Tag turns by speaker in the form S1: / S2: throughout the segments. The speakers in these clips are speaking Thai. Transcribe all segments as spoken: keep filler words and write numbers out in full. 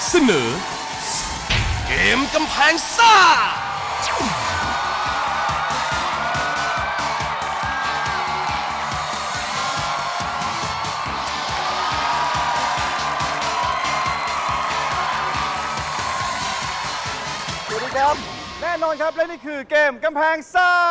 S1: เสนอเกมกำแพงซ่า
S2: สวัสดีครับแน่นอนครับและนี่คือเกมกำแพงซ่า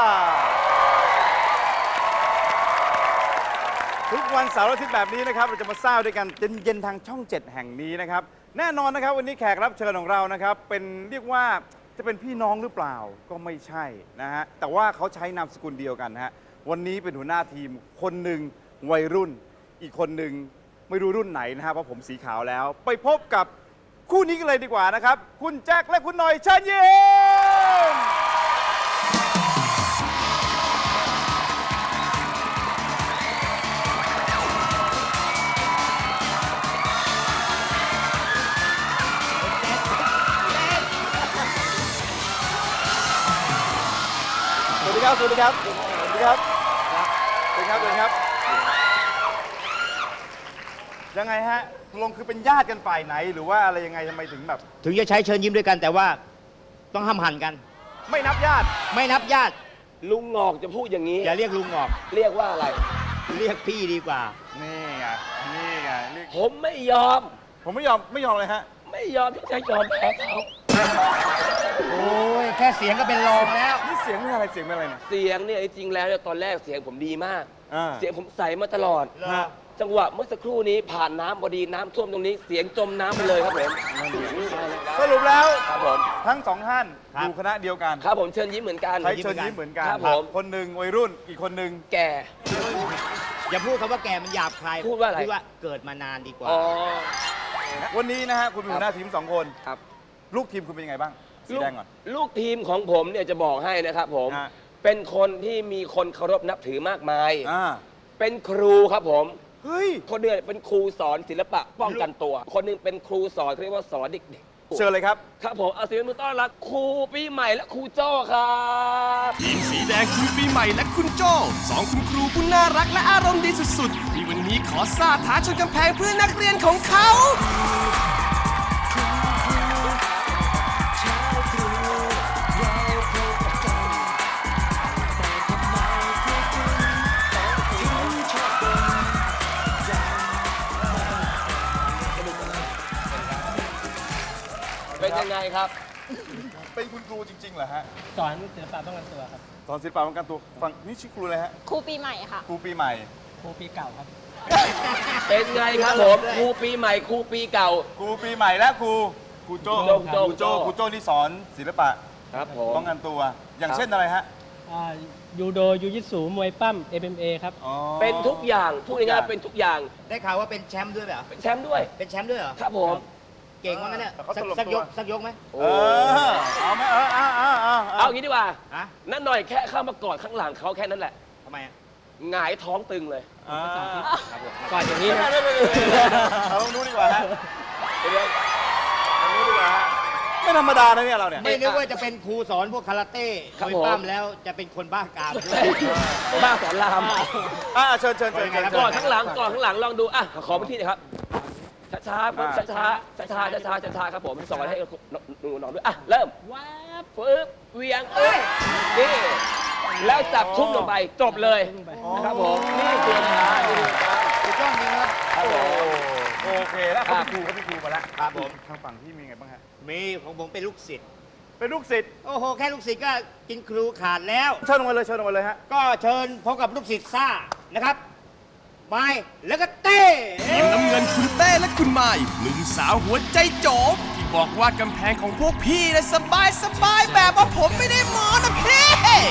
S2: ทุกวันเสาร์อาทิตย์แบบนี้นะครับเราจะมาซ่าด้วยกันเย็นๆทางช่องเจ็ดแห่งนี้นะครับแน่นอนนะครับวันนี้แขกรับเชิญของเรานะครับเป็นเรียกว่าจะเป็นพี่น้องหรือเปล่าก็ไม่ใช่นะฮะแต่ว่าเขาใช้นามสกุลเดียวกันฮะวันนี้เป็นหัวหน้าทีมคนหนึ่งวัยรุ่นอีกคนหนึ่งไม่รู้รุ่นไหนนะฮะเพราะผมสีขาวแล้วไปพบกับคู่นี้กันเลยดีกว่านะครับคุณแจ็คและคุณหน่อยเชิญยิ้มสวัสดีครับ สวัสดีครับ สวัสดีครับ สวัสดีครับ สวัสดีครับ ยังไงฮะลงคือเป็นญาติกันฝ่ายไหนหรือว่าอะไรยังไงทำไมถึงแบบ
S3: ถึงจะใช้เชิญยิ้มด้วยกันแต่ว่าต้องห้ามหันกัน
S2: ไม่นับญาติ
S3: ไม่นับญาติ
S4: ลุงงอกจะพูดอย่างนี้
S3: อย่าเรียกลุงออก
S4: เรียกว่าอะไร
S3: เรียกพี่ดีกว่า
S2: นี่ไง นี่ไงเรียก
S4: ผมไม่ยอม
S2: ผมไม่ยอม ไม่ยอมเลยฮะ
S4: ไม่ยอมที่จะยอมแพ้เขา
S3: โอ้ยแค่เสียงก็เป็นรองแล้ว
S2: นี่เสียงเป็นอะไร เสียงเป็นอะไรเนี่ย
S4: เสียงเนี่ยจริงๆแล้วเนี่ยตอนแรกเสียงผมดีมาก
S2: อ่า
S4: เสียงผมใสมาตลอด
S2: ฮะ
S4: จังหวะเมื่อสักครู่นี้ผ่านน้ำพอดีน้ำท่วมตรงนี้ เสียงจมน้ำไปเลยครับผม
S2: สรุปแล้ว
S4: ครับผม
S2: ทั้งสองท่าน
S3: ครับ
S2: อยู่คณะเดียวกัน
S4: ครับผมเชิญยิ้มเหมือนกัน
S2: ใช้เชิญยิ้มเหมือนกัน
S4: ครับผม
S2: คนหนึ่งวัยรุ่น อีกคนหนึ่ง
S4: แก่
S3: อย่าพูดคำว่าแกมันหยาบคาย
S4: พูดว่าอะไร
S3: พูดว่าเกิดมานานดีกว่า
S4: อ๋อ
S2: วันนี้นะฮะคุณเป็นหัวหน้าทีมสองคน
S4: ครับ
S2: ลูกทีมคุณเป็นยังไงบ้าง สี
S4: ลูก
S2: แดงก่อน
S4: ลูกทีมของผมเนี่ยจะบอกให้นะครับผม
S2: ฮะ
S4: เป็นคนที่มีคนเคารพนับถือมากมาย
S2: อ่า
S4: เป็นครูครับผม
S2: เฮ้ย
S4: คนหนึงเป็นครูสอนศิลปะป้องกันตัว คนหนึงเป็นครูสอนเขาเรียกว่าสอนเด็กๆ
S2: เชิญเลยครับ
S4: ครับผมเอาเสียงมือต้อนรับครูปีใหม่และครูโจ้ครับ
S1: ทีมสีแดงคุณปีใหม่และคุณโจ้สองคุณครูผู้น่ารักและอารมณ์ดีสุดๆที่วันนี้ขอซ่าท้าชนกำแพงเพื่อนักเรียนของเขา
S4: เป็นยังไงครับ
S2: เป็นคุณครูจริงๆเหรอฮะ
S5: สอนศิลปะป้องกันตัวครับ
S2: สอนศิลปะป้องกันตัวฟังนี่ชื่อครูอะไรฮะ
S6: ครูปีใหม่ค่ะ
S2: ครูปีใหม่
S5: ครูปีเก่าครับ
S4: เป็นไงครับผมครูปีใหม่ครูปีเก่า
S2: ครูปีใหม่และครูครูโจ้
S4: โจ้
S2: ครูโจ้
S4: โจ้
S2: ครูโจ้นี่สอนศิลปะ
S4: ครับผม
S2: ป้องกันตัว อย่าง
S4: ครับ
S2: เช่นอะไรฮะ
S5: อ่ายูโดยูยิตสูมวยปั้ม เอ็ม เอ็ม เอ ครับ
S2: อ๋อ
S4: เป็นทุกอย่างพูดง่ายๆเป็นทุกอย่าง
S3: ได้ข่าวว่าเป็นแชมป์ด้วยเหรอ
S4: เป็นแชมป์ด้วย
S3: เป็นแชมป์ด้วยเหรอ
S4: ครับผม
S3: เก่งว่างั้นเนี่ย
S2: แต่เขา
S3: สัก
S2: ตลบ
S3: สัก
S2: ตั
S3: ยว กสักยกไหม
S4: โอ้
S2: เออเอาไหมเออเอาเอาเอา
S4: เอางี้ดีกว่า
S3: ฮะ
S4: นั่นหน่อยแค่เข้ามากอดข้างหลังเขาแค่นั้นแหละ
S3: ทำไมอะ
S4: หงายท้องตึงเลย
S2: อ่า
S5: ก่อนอย่างนี้นะ
S2: เราลองดูดีกว่าฮะ
S4: เดี๋ยว
S2: ลองดูดีกว่าฮะไม่ธรรมดานะเนี่ยเราเนี่ย
S3: ไม่นึกว่าจะเป็นครูสอนพวกคาราเต้
S4: ครับ
S3: มวย
S4: ผม
S3: ปั้มแล้วจะเป็นคนบ้ากามด้วย
S4: บ้าสอนราม
S2: อ่าเชิญเชิญเชิญเชิญ
S4: กอดข้างหลังกอดข้างหลังลองดูอ่ะขอพื้นที่หน่อยครับช้าๆช้าช้าช้าช้าช้าช้าช้าช้าๆครับผมสอนให้หนูน้องด้วยอ่ะเริ่ม
S5: ว้าบ
S4: ปึ๊บเวียงเอ้ยนี่แล้วจับทุ่มลงไปจบเลย
S5: ทุ่มไป
S4: นะครับผมนี่คือช้านี่คือช้า
S3: ถูกต้องจริงครับ
S4: ครับผม
S2: โอเคแล้ว
S4: ครั
S2: เขา
S4: บ
S2: เป็นครูเขาเป็นครูมาแล้ว
S3: ครับผม
S2: ทางฝั่งที่มีไงบ้างฮะ
S3: มีของผมเป็นลูกศิษย์
S2: เป็นลูกศิษย์
S3: โอ้โห แค่ลูกศิษย์ก็กินครูขาดแล้ว
S2: เชิญลงมาเลยเชิญลงมาเลยฮะ
S3: ก็เชิญพบกับลูกศิษย์ซ่านะครับไม้แล้วก็เต้
S1: ทีมน้ำเงินคุณเต้และคุณไม้หนุ่มสาวหัวใจโจมที่บอกว่ากำแพงของพวกพี่นะสบายสบายแบบว่าผมไม่ได้หมอนะพี่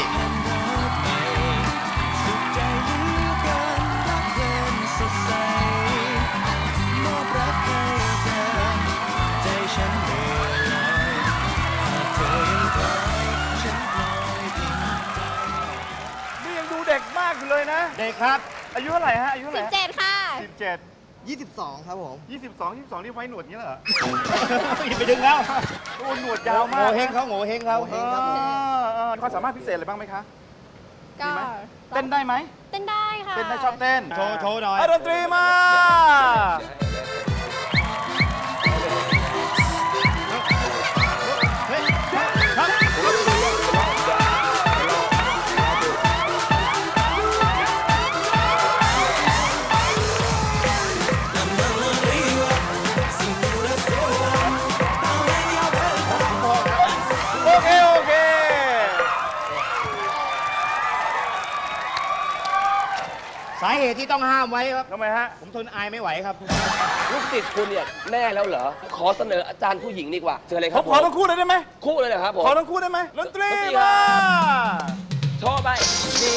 S2: นี่ยังดูเด็กมากอยู่เลยนะ
S3: เด็กครับ
S2: อายุเท่าไหร่ฮะ อายุเท่าไห
S6: สิ
S2: ร่
S6: บเจ็ดค่ะ
S2: สิบเจ็ด
S7: ยี่สิบสองครับผม
S2: ยี่สิบสองยี่สิบสองนี่ไว้หนวดอย่างนี้เหรอ
S3: อย่าไปดึงเขา
S2: โอ้หนวดยาว
S3: โง่
S2: มาก
S3: เฮงเขาโง่เฮงเขา
S2: เออเออความสามารถพิเศษอะไรบ้างไหมคะ
S6: ก็
S2: เต้นได้ไหม
S6: เต้นได้ค่ะ
S2: เต้นได้ชอบเต้น
S3: โชว์โชว์หน่อย
S2: อ่ะดนตรีมา
S3: เหตุที่ต้องห้ามไว้ครับ
S2: ทำไมฮะ
S3: ผมทนอายไม่ไหวครับ
S4: ลูกศิษย์คุณเนี่ยแน่แล้วเหรอ ขอเสนออาจารย์ผู้หญิงดีกว่าเชิญเลยค
S2: ผ
S4: รั
S2: ม
S4: บ
S2: ขอทั้งคู่เลยได้ไหม
S4: คู่เลยเหรอครับผม
S2: ขอทั้งคู่ได้ไหมดนตรี
S4: ดนตรี
S2: มา
S4: โชว์ไปนี่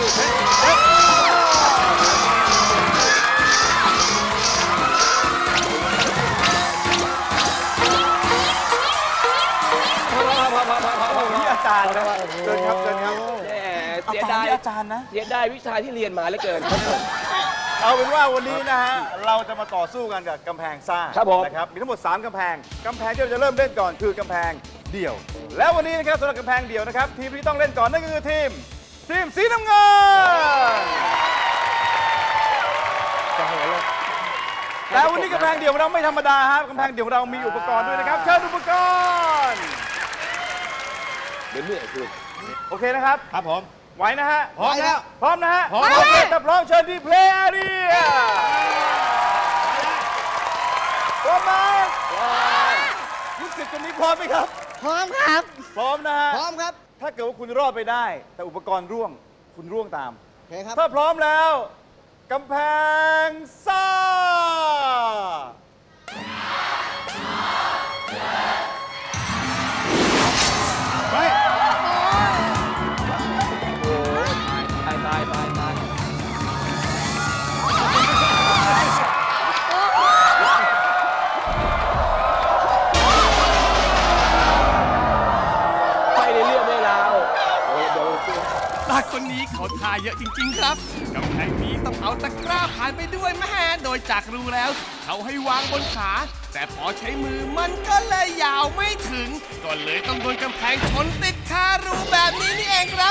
S4: พอพอพอพอพอพอพอ
S2: นี่อาจารย์นะเชิญครับเชิญครับ
S4: แหม
S2: เอา
S4: เสีย
S2: ตาม
S4: ดาย
S2: ที่อาจารย์นะ
S4: เสียดายวิชาที่เรียนมาเหลือเกินครับผม
S2: เอาเป็นว่าวันนี้นะฮะ เราจะมาต่อสู้กันกับกำแพงซ่า
S4: ครับผม
S2: นะครับ มีทั้งหมด สามกำแพง กำแพงที่เราจะเริ่มเล่นก่อนคือกำแพงเดี่ยว แล้ววันนี้นะครับสำหรับกำแพงเดี่ยวนะครับ ทีมที่ต้องเล่นก่อนนั่นก็คือทีม ทีมสีน้ำเงินแต่วันนี้กำแพงเดี่ยวของเราไม่ธรรมดาครับกำแพงเดี่ยวของเรามีอุปกรณ์ด้วยนะครับ เชิญอุปกรณ์
S4: เดี๋ยวเหนื่อยคุณ
S2: โอเคนะครับ
S3: ครับผม
S2: ไหวนะฮะ
S3: พร้อมแล้ว
S2: พร้อมนะฮะ
S3: พร้อม
S2: โอเคถ้าพร้อมเชิญที่เพลย์แอเรียพร้อมไหมลูกศิษย์คนนี้พร้อมไหมครับ
S7: พร้อมครับ
S2: พร้อมนะฮะ
S7: พร้อมครับ
S2: ถ้าเกิดว่าคุณรอดไปได้ แต่อุปกรณ์ร่วง คุณร่วงตาม
S7: โอเคครับ
S2: ถ้าพร้อมแล้วกำแพงซ่า
S3: เฮ้ย
S4: ตายตายตายตายไปในเรื่องไม่ราวโอ้ยเดี๋ยว
S1: ตาคนนี้เขาทาเยอะจริง ๆ ครับกำแพงนี้ต้องเอาตะกร้าผ่านไปด้วยแม่โดยจากรู้แล้ว เขาให้วางบนขา แต่พอใช้มือมันก็เลยยาวไม่ถึง ก็เลยต้องโดนกำแพงชนติดคารูแบบนี้นี่เองครับ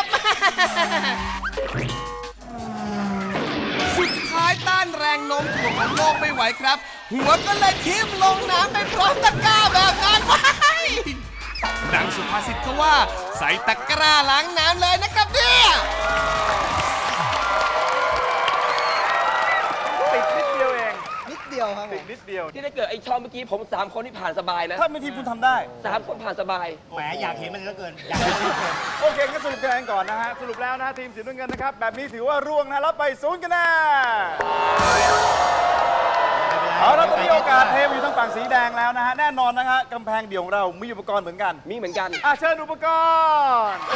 S1: สุดท้ายต้านแรงโน้มถ่วงของโลกไม่ไหวครับ หัวก็เลยทิ่มลงน้ำไปพร้อมตะกร้าแบบนั้นว้ายดังสุภาษิตเขาว่า ใส่ตะกร้าล้างน้ำเลยนะครับเนี่ย
S2: ติดนิดเดียวเอง
S7: นิดเดียวครับผ
S2: ติด
S7: ม
S2: นิดเดียว
S4: ที่ถ้าเกิดไอ้ช่องเมื่อกี้ผมสามคนที่ผ่านสบายนะ
S2: ถ้าเป็นทีมคุณทำได้
S4: สามคนผ่านสบาย
S3: แหมอยากเห็นมันเหลือเกิน อยากเห็นมันเหลือเกิน
S2: โอเคก็สรุปคะแนนก่อนนะฮะ สรุปแล้วนะทีมสีน้ำเงินนะครับ แบบนี้ถือว่าร่วงนะรับไปศูนย์คะแนน เอาละตอนนี้โอกาสเทมอยู่ทางฝั่งสีแดงแล้วนะฮะ แน่นอนนะฮะกำแพงเดี่ยวของเรามีอุปกรณ์เหมือนกัน
S4: มีเหมือนกัน
S2: อ่ะเชิญอุปกรณ์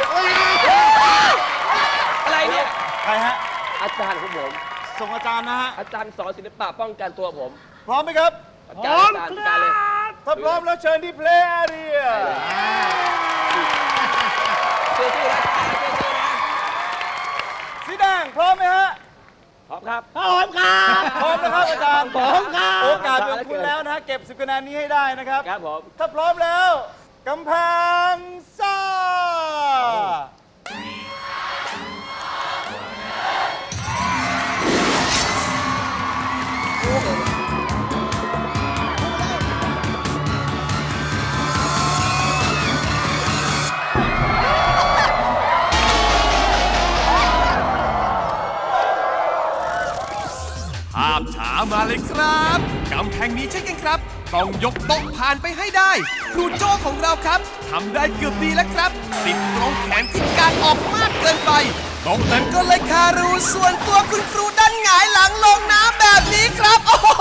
S4: อะไรเนี่ย
S2: ใครฮะ
S4: อาจารย์ของผม
S2: ส่งอาจารย์นะฮะ
S4: อาจารย์สอนศิลปะป้องกันตัวผม
S2: พร้อมไหมครับ
S4: อาจารย์อาจารย์อาจารย์เลย
S2: ถ้าพร้อมแล้วเชิญที่เพลย์แอเรีย
S4: สู้ๆนะสู้ๆนะ
S2: สีแดงพร้อมไหมฮะ
S4: พร้อมครับ
S7: พร้อมครับ
S2: พร้อมนะครับอาจารย์
S7: พร้อมครับ
S2: โอกาสเป็นของคุณแล้วนะฮะเก็บสิบคะแนนนี้ให้ได้นะครับ
S4: ครับผม
S2: ถ้าพร้อมแล้วกำแพงซ่า
S1: ภาพช้ามาเลยครับกำแพงนี้ใช่กันครับ ต้องยกโต๊ะผ่านไปให้ได้ ครูโจ้ของเราครับทำได้เกือบดีแล้วครับ ติดตรงแขนที่การออกมากเกินไปโต๊ะนั้นก็เลยคารูส่วนตัวคุณครูดันหงายหลังลงน้ำแบบนี้ครับโอ้โห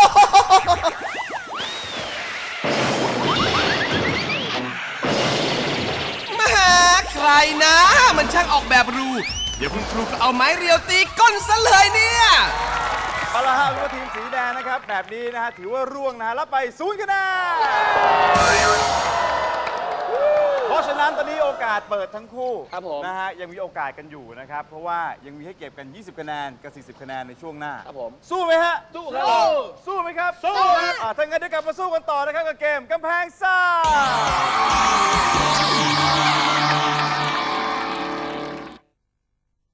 S1: แหมาใครนะ มันช่างออกแบบรู เดี๋ยวคุณครูก็เอาไม้เรียวตีก้นซะเลยเนี่ย
S2: เอาละฮะรู้ว่าทีมสีแดงนะครับ แบบนี้นะฮะถือว่าร่วงนะฮะรับไปศูนย์คะแนน เพราะฉะนั้นตอนนี้โอกาสเปิดทั้งคู่
S4: ครับผม
S2: นะฮะยังมีโอกาสกันอยู่นะครับ เพราะว่ายังมีให้เก็บกัน ยี่สิบ คะแนนกับ สี่สิบ คะแนนในช่วงหน้า
S4: ครับผม
S2: สู้ไหมฮะ
S4: สู้ครับ
S2: สู้ไหมครับ สู้ครับอ่าถ้างั้นเดี๋ยวกลับมาสู้กันต่อนะครับกับเกมกำแพงซ่า